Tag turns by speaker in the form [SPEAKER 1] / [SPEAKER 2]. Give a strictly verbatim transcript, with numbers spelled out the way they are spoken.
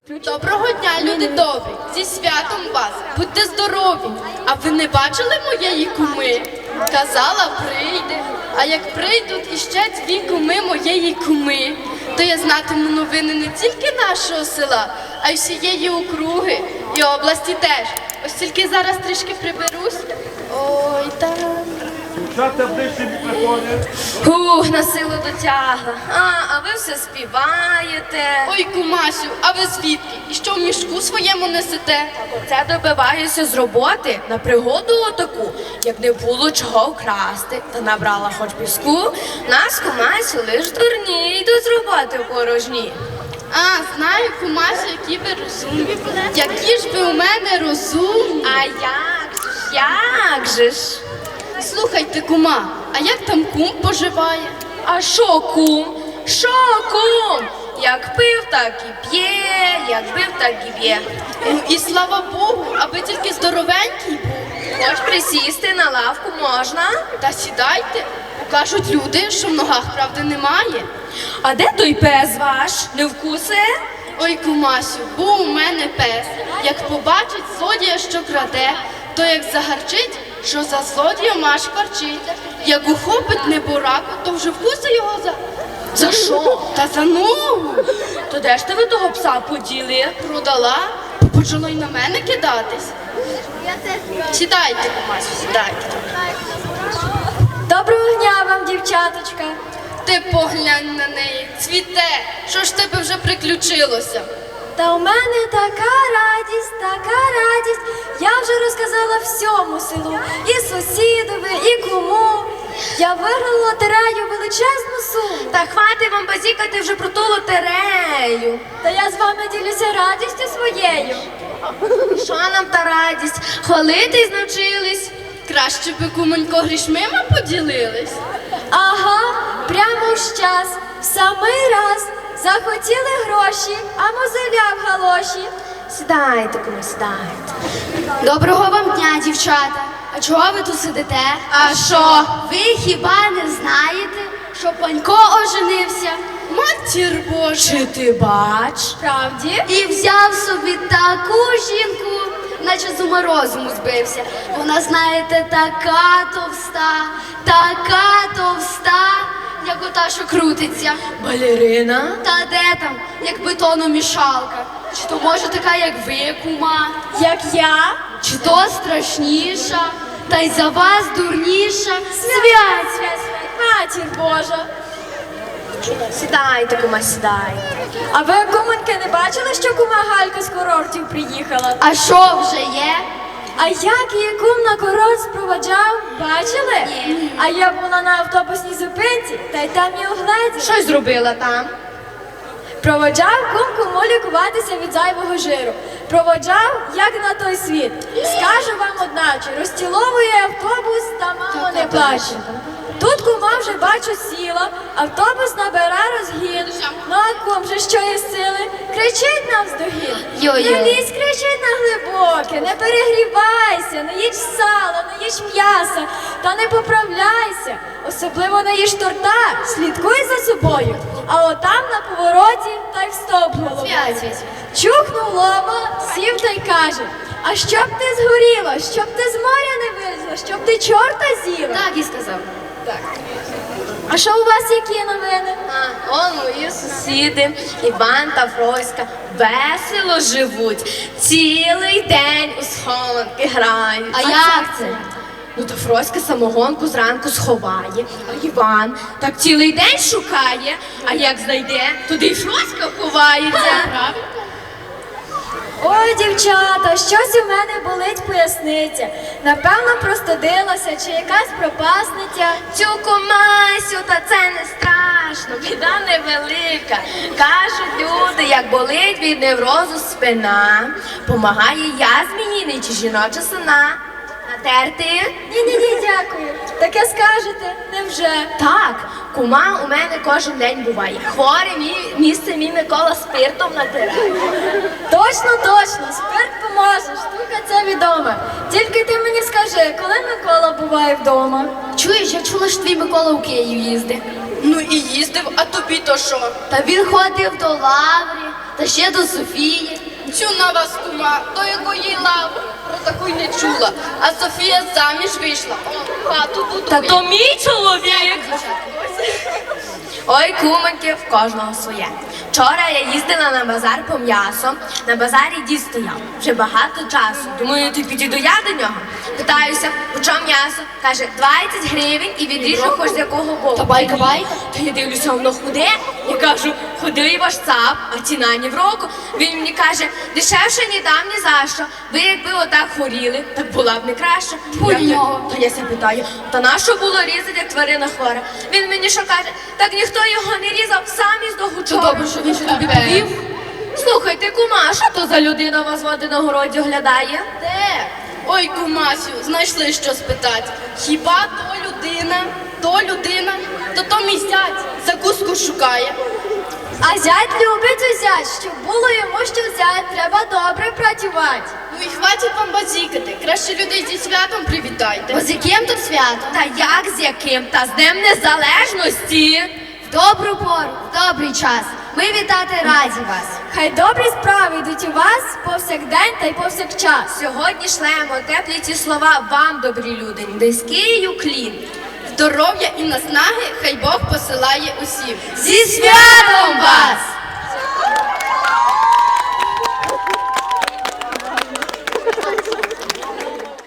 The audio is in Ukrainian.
[SPEAKER 1] Доброго дня, люди добрі! Зі святом вас! Будьте здорові! А ви не бачили моєї куми? Казала, прийде. А як прийдуть іще дві куми моєї куми, то я знатиму новини не тільки нашого села, а й всієї округи і області теж. Ось тільки зараз трішки приберусь. Ой, там...
[SPEAKER 2] Дівчата ближче мікрофони.
[SPEAKER 3] Ух, на силу дотягла. А, а ви все співаєте.
[SPEAKER 1] Ой, кумасю, а ви звідки? І що в мішку своєму несете?
[SPEAKER 3] Це добиваюся з роботи на пригоду отаку. Як не було чого вкрасти, та набрала хоч піску, нас кумасю лиш дурні йдуть з роботи в порожні.
[SPEAKER 1] А, знаю, кумасю, які ви розумні. Які ж ви у мене розумні.
[SPEAKER 3] А як же ж, як же ж?
[SPEAKER 1] Слухайте, кума, а як там кум поживає?
[SPEAKER 3] А шо кум? Шо кум? Як пив, так і п'є, як бив, так і б'є.
[SPEAKER 1] Ну і слава Богу, аби тільки здоровенький був.
[SPEAKER 3] Хоч присісти на лавку можна?
[SPEAKER 1] Та сідайте, кажуть люди, що в ногах правди немає.
[SPEAKER 3] А де той пес ваш? Не вкусе?
[SPEAKER 1] Ой, кумасю, був у мене пес. Як побачить злодія, що краде, то як загарчить, що за злодієм аж парчить. Як ухопить небораку, то вже вкуси його за...
[SPEAKER 3] За що?
[SPEAKER 1] Та за ногу.
[SPEAKER 3] То де ж ти ви того пса поділи?
[SPEAKER 1] Продала, почало й на мене кидатись. Сідайте, кумасю, сідайте.
[SPEAKER 4] Доброго дня вам, дівчаточка.
[SPEAKER 1] Ти поглянь на неї, цвіте. Що ж тебе вже приключилося?
[SPEAKER 4] Та у мене така радість, така радість. Я вже розказала всьому селу, і сусідові, і кому. Я виграла лотерею величезну суму.
[SPEAKER 3] Та хватить вам базікати вже про ту лотерею.
[SPEAKER 4] Та я з вами ділюся радістю своєю.
[SPEAKER 3] Що нам та радість? Хвалитись навчились?
[SPEAKER 1] Краще би, кумонько, грішмима поділились.
[SPEAKER 4] Ага, прямо в час, в самий раз. Захотіли гроші, а мозоля в галоші.
[SPEAKER 3] Сідайте, кому сідайте.
[SPEAKER 5] Доброго вам дня, дівчата. А чого ви тут сидите?
[SPEAKER 1] А що?
[SPEAKER 5] Ви хіба не знаєте, що Панько оженився?
[SPEAKER 1] Матір Божа.
[SPEAKER 3] Чи ти бач?
[SPEAKER 4] Правді?
[SPEAKER 5] І взяв собі таку жінку, наче з ума розуму збився. Вона, знаєте, така товста, така товста, як ота, що крутиться.
[SPEAKER 3] Балерина?
[SPEAKER 5] Та де там, як бетономішалка? Чи то може така, як ви, кума?
[SPEAKER 4] Як я?
[SPEAKER 5] Чи то страшніша, та й за вас дурніша?
[SPEAKER 4] Свят, свят, свят, матір Божа.
[SPEAKER 3] Сідайте, кума, сідайте.
[SPEAKER 4] А ви, кумоньки, не бачили, що кума Галька з курортів приїхала?
[SPEAKER 5] А що вже є?
[SPEAKER 4] А як її кум на курорт спроваджав, бачили?
[SPEAKER 5] Ні.
[SPEAKER 4] А я була на автобусній зупинці, та й там і угледіла.
[SPEAKER 3] Щось зробила там?
[SPEAKER 4] Проводжав кум куму лікуватися від зайвого жиру. Проводжав, як на той світ. Скажу вам одначе, розціловує автобус, та мамо не плаче. Тут кума вже бачу сіла, автобус набира розгін. Ну а кум же що є сили, кричить навздогін.
[SPEAKER 5] Йо-йо.
[SPEAKER 4] Не лізь, кричить на глибоке, не перегрівайся, не їж сала, не їж м'яса, та не поправляйся. Особливо не їж торта, слідкуй за собою. А отам на повороті та й в стовп головою.
[SPEAKER 5] Свят, свят, свят.
[SPEAKER 4] Чухнув лоба, сів та й каже: а щоб ти згоріла, щоб ти з моря не вилізла, щоб ти чорта з'їла.
[SPEAKER 5] Так і сказав.
[SPEAKER 4] А що у вас які новини?
[SPEAKER 3] А, он мої сусіди, Іван та Фроська, весело живуть. Цілий день у схованки грають.
[SPEAKER 5] А як це?
[SPEAKER 3] Ну то Фроська самогонку зранку сховає, а Іван так цілий день шукає, а як знайде, туди й Фроська ховається.
[SPEAKER 4] Ой, дівчата, щось у мене болить поясниця. Напевно, простудилася чи якась пропасниця.
[SPEAKER 3] Цю кумасю, та це не страшно, біда невелика. Кажуть люди, як болить від неврозу спина, помагає язмініний чи жіноча сина. Натерти?
[SPEAKER 4] Ні-ні-ні, дякую. Таке скажете, невже?
[SPEAKER 3] Так, кума у мене кожен день буває. Хворе мій, місце мій Микола спиртом натирає.
[SPEAKER 4] Точно, точно, спирт поможе, штука ця відома. Тільки ти мені скажи, коли Микола буває вдома?
[SPEAKER 5] Чуєш, я чула, що твій Микола у Київ їздив.
[SPEAKER 1] Ну і їздив, а тобі то що?
[SPEAKER 5] Та він ходив до лаври, та ще до Софії.
[SPEAKER 1] Цю на вас кума, до якої лави, про таку й не чула. А Софія заміж вийшла, о, хату будує.
[SPEAKER 3] Та то мій чоловік. Ой, кумоньки, в кожного своє. Вчора я їздила на базар по м'ясо. На базарі дід стояв вже багато часу. Думаю, ти підійду я до нього. Питаюся, у чому м'ясо? Каже, двадцять гривень і відріжу хоч з якого боку.
[SPEAKER 5] Та байка байка.
[SPEAKER 3] То я дивлюся, воно худе. Я кажу, худий ваш цап, а ціна ні в року. Він мені каже, дешевше ні дам, ні за що. Ви якби отак хворіли, так була б не краще.
[SPEAKER 5] Фу,
[SPEAKER 3] Я-
[SPEAKER 5] нього.
[SPEAKER 3] Та я ся питаю, та нащо було різати, як тварина хвора? Він мені що каже, так ніхто його не різав, сам із догу
[SPEAKER 5] То добре, що він ще тобі повів.
[SPEAKER 3] Слухайте, кума, що то за людина вас води на городі оглядає?
[SPEAKER 1] Де? Ой, кумасю, знайшли що спитати. Хіба то людина, то людина, то то мій зять закуску шукає.
[SPEAKER 4] А зять любить узять, щоб було йому що взяти, треба добре працювати.
[SPEAKER 1] Ну і хватить вам базікати, краще людей зі святом привітайте.
[SPEAKER 5] Бо з яким тут свято?
[SPEAKER 3] Та як з яким? Та з Днем Незалежності.
[SPEAKER 5] В добру пору, в добрий час. Ми вітати раді вас.
[SPEAKER 4] Хай добрі справи йдуть у вас повсякдень та й повсякчас.
[SPEAKER 3] Сьогодні шлемо теплі ці слова вам, добрі люди, низький уклін.
[SPEAKER 1] Здоров'я і наснаги хай Бог посилає усім.
[SPEAKER 3] Зі святом вас!